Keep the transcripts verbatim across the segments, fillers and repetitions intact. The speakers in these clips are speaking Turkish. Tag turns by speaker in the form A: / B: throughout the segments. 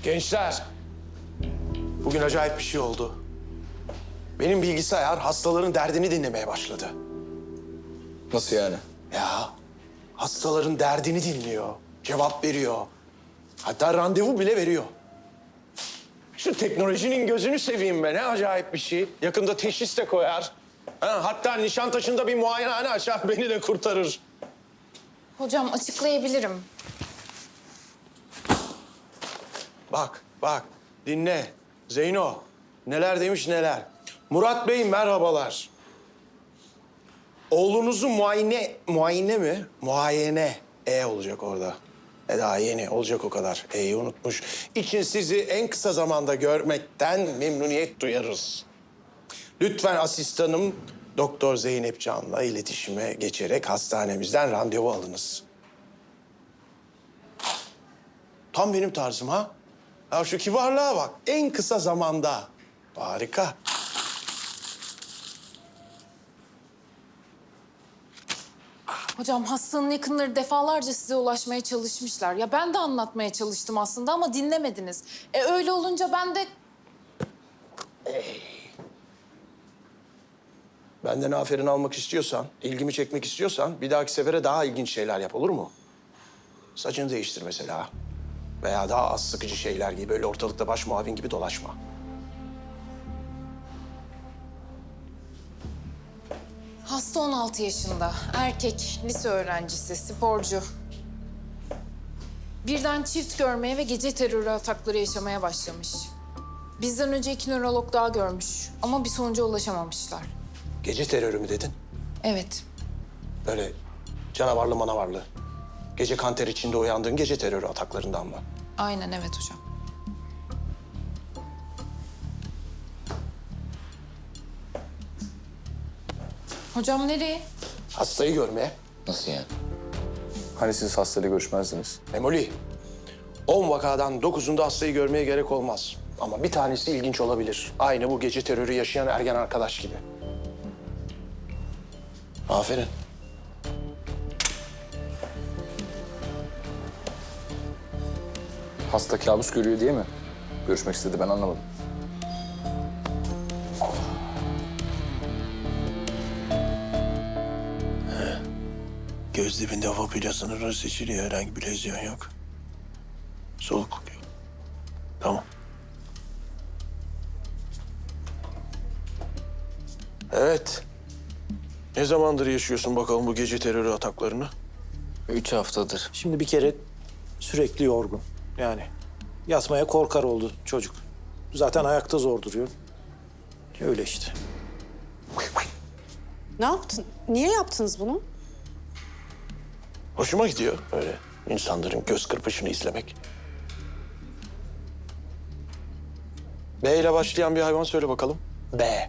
A: Gençler, bugün acayip bir şey oldu. Benim bilgisayar hastaların derdini dinlemeye başladı.
B: Nasıl yani?
A: Ya, hastaların derdini dinliyor, cevap veriyor. Hatta randevu bile veriyor. Şu teknolojinin gözünü seveyim be, ne acayip bir şey. Yakında teşhis de koyar. Ha, hatta Nişantaşı'nda bir muayenehane açar, beni de kurtarır.
C: Hocam açıklayabilirim.
A: Bak, bak, dinle. Zeyno, neler demiş neler. Murat Bey merhabalar. Oğlunuzu muayene, muayene mi? Muayene. E olacak orada. E daha yeni olacak o kadar. E'yi unutmuş. İçin sizi en kısa zamanda görmekten memnuniyet duyarız. Lütfen asistanım Doktor Zeynep Can'la iletişime geçerek hastanemizden randevu alınız. Tam benim tarzım ha. Ya şu kibarlığa bak. En kısa zamanda. Harika.
C: Hocam hastanın yakınları defalarca size ulaşmaya çalışmışlar. Ya ben de anlatmaya çalıştım aslında ama dinlemediniz. E öyle olunca ben de...
A: Benden aferin almak istiyorsan, ilgimi çekmek istiyorsan bir dahaki sefere daha ilginç şeyler yap, olur mu? Saçını değiştir mesela. Veya daha az sıkıcı şeyler gibi, böyle ortalıkta baş muavin gibi dolaşma.
C: Hasta on altı yaşında. Erkek, lise öğrencisi, sporcu. Birden çift görmeye ve gece terörü atakları yaşamaya başlamış. Bizden önce iki nörolog daha görmüş ama bir sonuca ulaşamamışlar.
A: Gece terörü mü dedin?
C: Evet.
A: Böyle canavarlı manavarlı. Gece kanter içinde uyandığın gece terörü ataklarından mı?
C: Aynen evet hocam. Hocam nereye?
A: Hastayı görmeye.
B: Nasıl yani? Hani siz hastayla görüşmezdiniz?
A: Memoli, on vakadan dokuzunda hastayı görmeye gerek olmaz. Ama bir tanesi ilginç olabilir. Aynı bu gece terörü yaşayan ergen arkadaş gibi. Aferin.
B: Hasta kabus görüyor diye mi görüşmek istedi, ben anlamadım.
A: Göz dibinde vapuyla sınırları seçiliyor. Herhangi bir lezyon yok. Soğukluk yok. Tamam. Evet. Ne zamandır yaşıyorsun bakalım bu gece terörü ataklarını?
B: Üç haftadır.
D: Şimdi bir kere sürekli yorgun. Yani yatmaya korkar oldu çocuk. Zaten ayakta zor duruyor. Öyle işte.
E: Ne yaptın? Niye yaptınız bunu?
A: Hoşuma gidiyor öyle insanların göz kırpışını izlemek. B ile başlayan bir hayvan söyle bakalım. B.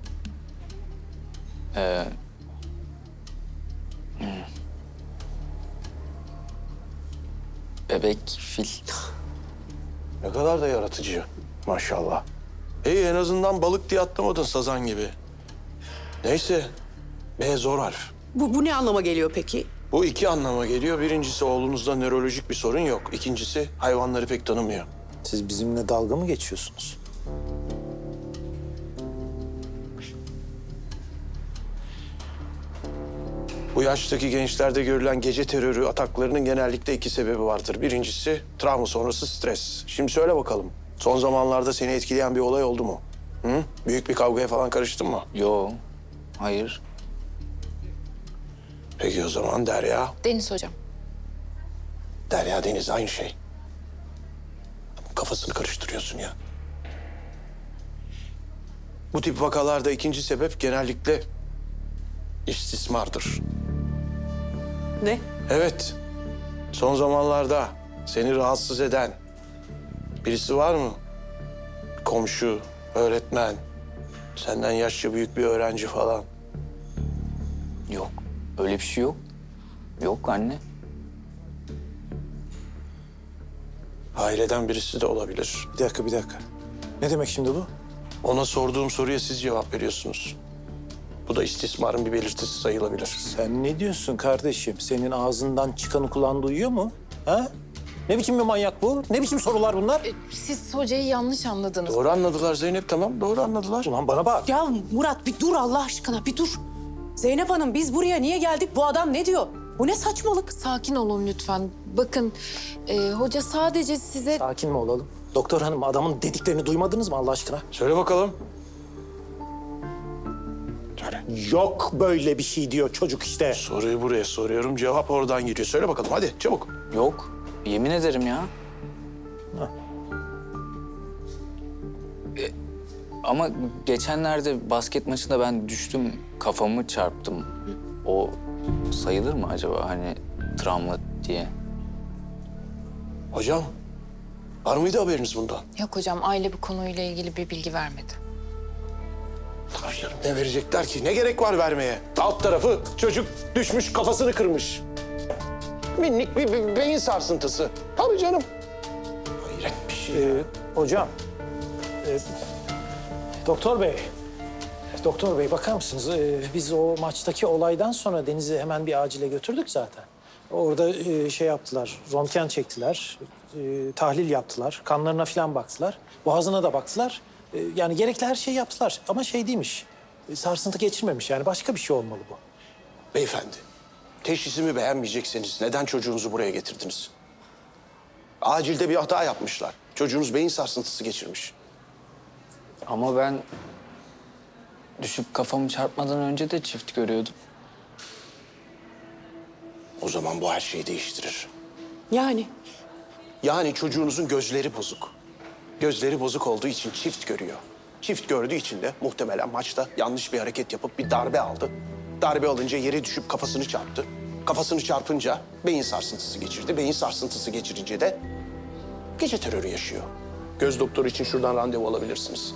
B: Ee, hmm. Bebek, fil.
A: Ne kadar da yaratıcı maşallah. İyi en azından balık diye atlamadın sazan gibi. Neyse B zor harf.
E: Bu, bu ne anlama geliyor peki?
A: Bu iki anlama geliyor. Birincisi oğlunuzda nörolojik bir sorun yok. İkincisi hayvanları pek tanımıyor.
D: Siz bizimle dalga mı geçiyorsunuz?
A: Bu yaştaki gençlerde görülen gece terörü ataklarının genellikle iki sebebi vardır. Birincisi travma sonrası stres. Şimdi söyle bakalım. Son zamanlarda seni etkileyen bir olay oldu mu? Hı? Büyük bir kavgaya falan karıştın mı?
B: Yo, hayır.
A: Peki o zaman Derya.
C: Deniz hocam.
A: Derya Deniz aynı şey. Kafasını karıştırıyorsun ya. Bu tip vakalarda ikinci sebep genellikle istismardır.
E: Ne?
A: Evet. Son zamanlarda seni rahatsız eden birisi var mı? Komşu, öğretmen, senden yaşça büyük bir öğrenci falan.
B: Yok, öyle bir şey yok. Yok anne.
A: Aileden birisi de olabilir.
D: Bir dakika, bir dakika. Ne demek şimdi bu?
A: Ona sorduğum soruya siz cevap veriyorsunuz. Bu da istismarın bir belirtisi sayılabilir.
D: Sen ne diyorsun kardeşim? Senin ağzından çıkanı kulağın duyuyor mu? Ha? Ne biçim bir manyak bu? Ne biçim sorular bunlar?
C: Siz hocayı yanlış anladınız.
A: Doğru anladılar Zeynep, tamam. Doğru anladılar.
D: Ulan bana bak.
E: Ya Murat bir dur Allah aşkına bir dur. Zeynep Hanım biz buraya niye geldik? Bu adam ne diyor? Bu ne saçmalık?
C: Sakin olun lütfen. Bakın e, hoca sadece size...
D: Sakin mi olalım? Doktor hanım adamın dediklerini duymadınız mı Allah aşkına?
A: Söyle bakalım.
D: Yok böyle bir şey diyor çocuk işte.
A: Soruyu buraya soruyorum, cevap oradan geliyor. Söyle bakalım, hadi çabuk.
B: Yok. Yemin ederim ya. E, ama geçenlerde basket maçında ben düştüm, kafamı çarptım. O sayılır mı acaba hani travma diye?
A: Hocam, var mıydı haberiniz bundan?
C: Yok hocam, aile bu konuyla ilgili bir bilgi vermedi.
A: Tabii canım, ne verecekler ki? Ne gerek var vermeye? Alt tarafı çocuk düşmüş, kafasını kırmış. Minik bir, bir beyin sarsıntısı. Tabii canım. Hayret bir şey.
D: Ee, hocam. e, doktor bey. Doktor bey bakar mısınız? Ee, biz o maçtaki olaydan sonra Deniz'i hemen bir acile götürdük zaten. Orada e, şey yaptılar, röntgen çektiler, e, tahlil yaptılar, kanlarına falan baktılar, boğazına da baktılar. E, yani gerekli her şeyi yaptılar ama şey değilmiş, e, sarsıntı geçirmemiş yani başka bir şey olmalı bu.
A: Beyefendi, teşhisimi beğenmeyecekseniz neden çocuğunuzu buraya getirdiniz? Acilde bir hata yapmışlar. Çocuğunuz beyin sarsıntısı geçirmiş.
B: Ama ben düşüp kafamı çarpmadan önce de çift görüyordum.
A: O zaman bu her şeyi değiştirir.
E: Yani
A: Yani çocuğunuzun gözleri bozuk. Gözleri bozuk olduğu için çift görüyor. Çift gördüğü için de muhtemelen maçta yanlış bir hareket yapıp bir darbe aldı. Darbe alınca yere düşüp kafasını çarptı. Kafasını çarpınca beyin sarsıntısı geçirdi. Beyin sarsıntısı geçirince de gece terörü yaşıyor. Göz doktoru için şuradan randevu alabilirsiniz.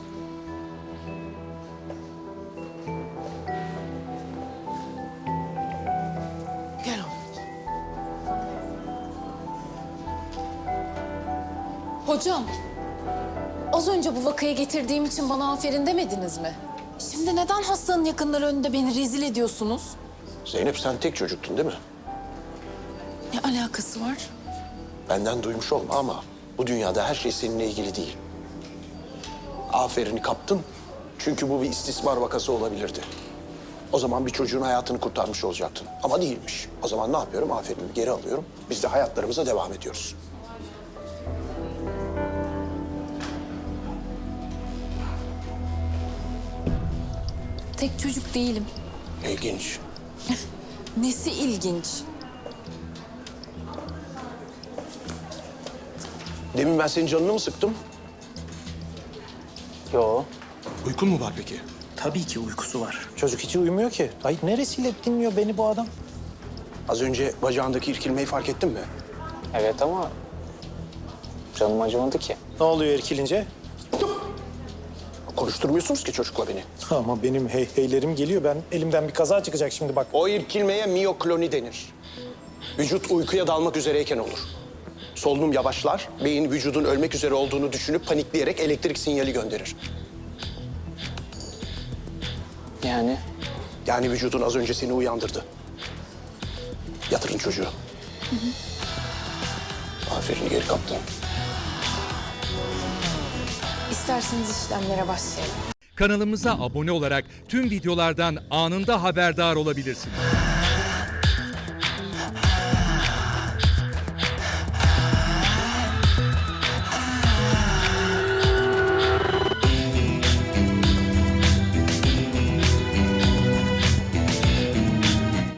E: gel oğlum.
C: Hocam, az önce bu vakayı getirdiğim için bana aferin demediniz mi? Şimdi neden hastanın yakınları önünde beni rezil ediyorsunuz?
A: Zeynep, sen tek çocuktun değil mi?
C: Ne alakası var?
A: Benden duymuş olma ama bu dünyada her şey seninle ilgili değil. Aferini kaptın çünkü bu bir istismar vakası olabilirdi. O zaman bir çocuğun hayatını kurtarmış olacaktın ama değilmiş. O zaman ne yapıyorum? Aferinimi geri alıyorum. Biz de hayatlarımıza devam ediyoruz.
C: Tek çocuk değilim.
A: İlginç.
C: Nesi ilginç?
A: Demin ben senin canını mı sıktım?
B: Yo.
A: Uykun mu var peki?
D: Tabii ki uykusu var. Çocuk hiç uyumuyor ki. Ay neresiyle dinliyor beni bu adam?
A: Az önce bacağındaki irkilmeyi fark ettin mi?
B: Evet ama canım acımadı ki.
D: Ne oluyor irkilince?
A: Konuşturmuyorsunuz ki çocukla beni.
D: Ama benim hey heylerim geliyor. Ben elimden bir kaza çıkacak şimdi bak.
A: O irkilmeye miyokloni denir. Vücut uykuya dalmak üzereyken olur. Solunum yavaşlar, beyin vücudun ölmek üzere olduğunu düşünüp panikleyerek elektrik sinyali gönderir.
B: Yani
A: Yani vücudun az önce seni uyandırdı. Yatırın çocuğu. Aferin, geri kaptın.
C: İsterseniz işlemlere başlayalım.
F: Kanalımıza abone olarak tüm videolardan anında haberdar olabilirsiniz.